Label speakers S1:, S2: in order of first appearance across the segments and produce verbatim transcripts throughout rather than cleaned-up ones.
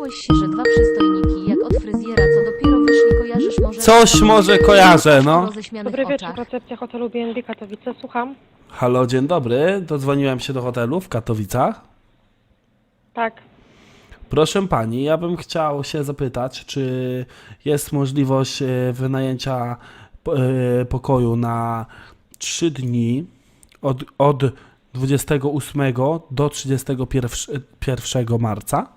S1: Dowiedziałeś się, że dwa przystojniki jak od fryzjera, co dopiero wyszli, kojarzysz może...
S2: Coś może kojarzę, no.
S1: Dobry
S3: wieczór, recepcja hotelu B and B Katowice, słucham.
S2: Halo, dzień dobry. Dodzwoniłem się do hotelu w Katowicach.
S3: Tak.
S2: Proszę pani, ja bym chciał się zapytać, czy jest możliwość e, wynajęcia e, pokoju na trzy dni od, od dwudziestego ósmego do trzydziestego pierwszego marca?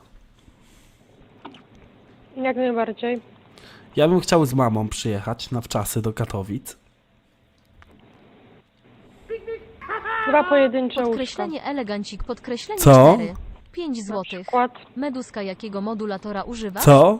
S3: Jak najbardziej.
S2: Ja bym chciał z mamą przyjechać na wczasy do Katowic.
S3: Dwa pojedyncze łóżka.
S1: Podkreślenie elegancik, podkreślenie
S2: Co?
S1: cztery. pięć
S3: Na
S1: złotych.
S3: przykład.
S1: Meduska jakiego modulatora używasz?
S2: Co?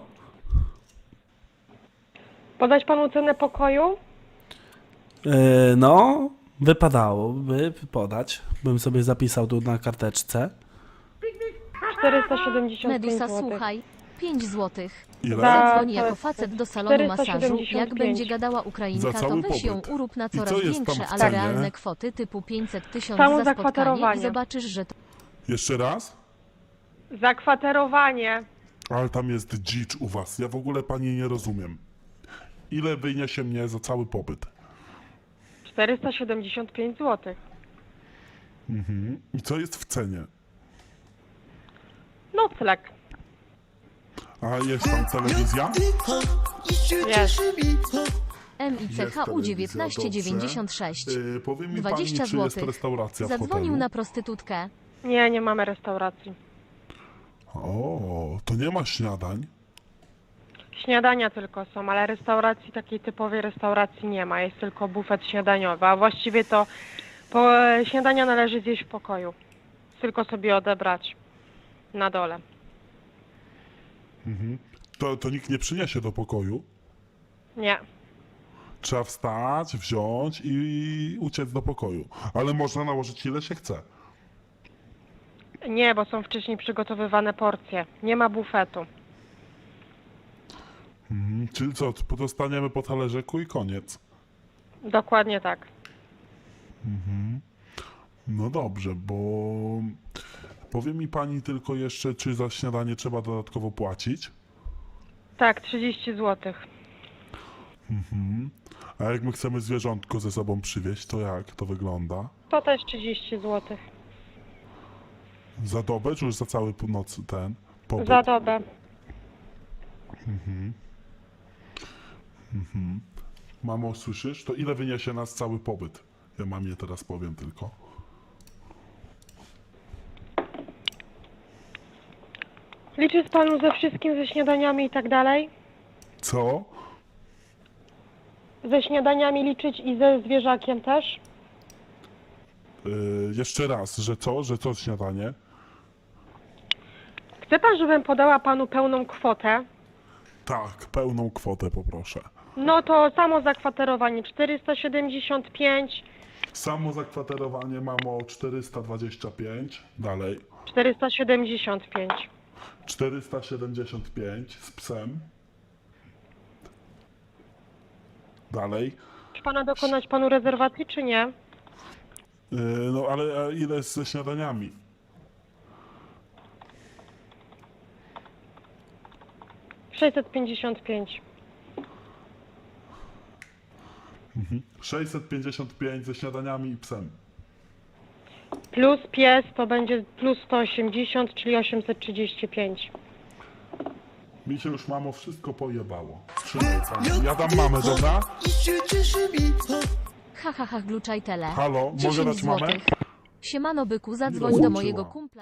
S3: Podać panu cenę pokoju?
S2: E, no, wypadałoby podać. Bym sobie zapisał tu na karteczce.
S3: czterysta siedemdziesiąt pięć
S1: Medusa,
S3: złotych.
S1: słuchaj. pięć złotych.
S4: Ile?
S3: Za-
S1: Zadzwoni
S3: to
S1: jako
S3: jest
S1: facet do salonu masażu. Jak
S3: 475.
S1: będzie gadała
S4: Za
S1: Ukrainka, to
S4: cały
S1: weź ją
S4: pobyt.
S1: urób na
S4: I co
S1: coraz
S4: jest tam
S1: większe,
S4: w
S1: ale
S4: cenie?
S1: realne kwoty typu pięćset tysięcy
S3: Samo
S1: za spotkanie i
S3: zakwaterowanie.
S1: zobaczysz, że to
S4: Jeszcze raz?
S3: Zakwaterowanie.
S4: Ale tam jest dzicz u was. Ja w ogóle pani nie rozumiem. Ile wyniesie mnie za cały pobyt?
S3: czterysta siedemdziesiąt pięć złotych.
S4: Mhm. I co jest w cenie?
S3: Nocleg.
S4: A jest tam telewizja?
S3: Jest.
S1: M I C H U
S4: telewizja,
S1: dziewiętnaście dziewięćdziesiąt sześć.
S4: Yy, powie mi
S1: dwadzieścia
S4: pani, czy jest
S1: złotych.
S4: restauracja w
S1: Zadzwonił
S4: hotelu?
S1: na prostytutkę.
S3: Nie, nie mamy restauracji.
S4: O, to nie ma śniadań?
S3: Śniadania tylko są, ale restauracji, takiej typowej restauracji nie ma. Jest tylko bufet śniadaniowy, a właściwie to po, śniadania należy zjeść w pokoju. Tylko sobie odebrać na dole.
S4: Mhm. To, to nikt nie przyniesie do pokoju?
S3: Nie.
S4: Trzeba wstać, wziąć i uciec do pokoju. Ale można nałożyć ile się chce.
S3: Nie, bo są wcześniej przygotowywane porcje. Nie ma bufetu.
S4: Mhm. Czyli co, dostaniemy po talerzyku i koniec.
S3: Dokładnie tak.
S4: No dobrze, bo powie mi pani tylko jeszcze, czy za śniadanie trzeba dodatkowo płacić?
S3: Tak, trzydzieści złotych.
S4: A jak my chcemy zwierzątko ze sobą przywieźć, to jak to wygląda?
S3: To też trzydzieści złotych.
S4: Za dobę, czy już za cały noc ten pobyt?
S3: Za dobę.
S4: Mamo, słyszysz? To ile wyniesie nas cały pobyt? Ja mamie teraz powiem tylko.
S3: Liczy z panu ze wszystkim, ze śniadaniami i tak dalej?
S4: Co?
S3: Ze śniadaniami liczyć i ze zwierzakiem też?
S4: Yy, jeszcze raz, że co? Że co śniadanie?
S3: Chce pan, żebym podała panu pełną kwotę?
S4: Tak, pełną kwotę poproszę.
S3: No to samo zakwaterowanie czterysta siedemdziesiąt pięć,
S4: Samo zakwaterowanie mamo czterysta dwadzieścia pięć, dalej.
S3: czterysta siedemdziesiąt pięć.
S4: czterysta siedemdziesiąt pięć z psem. Dalej.
S3: Czy pana dokonać panu rezerwacji, czy nie?
S4: Yy, no ale a ile jest ze śniadaniami?
S3: sześćset pięćdziesiąt pięć.
S4: sześćset pięćdziesiąt pięć ze śniadaniami i psem.
S3: Plus pies to będzie plus sto osiemdziesiąt, czyli osiemset trzydzieści pięć.
S4: Mi się już mamo wszystko pojebało. Trzymaj pani. Ja dam mamę, dobra?
S1: Ha ha ha, gluczaj tele.
S4: Halo, mogę
S1: dziesięć
S4: dać mamę?
S1: złotych. Siemano byku, zadzwoń do
S4: rozłączyła.
S1: mojego kumpla.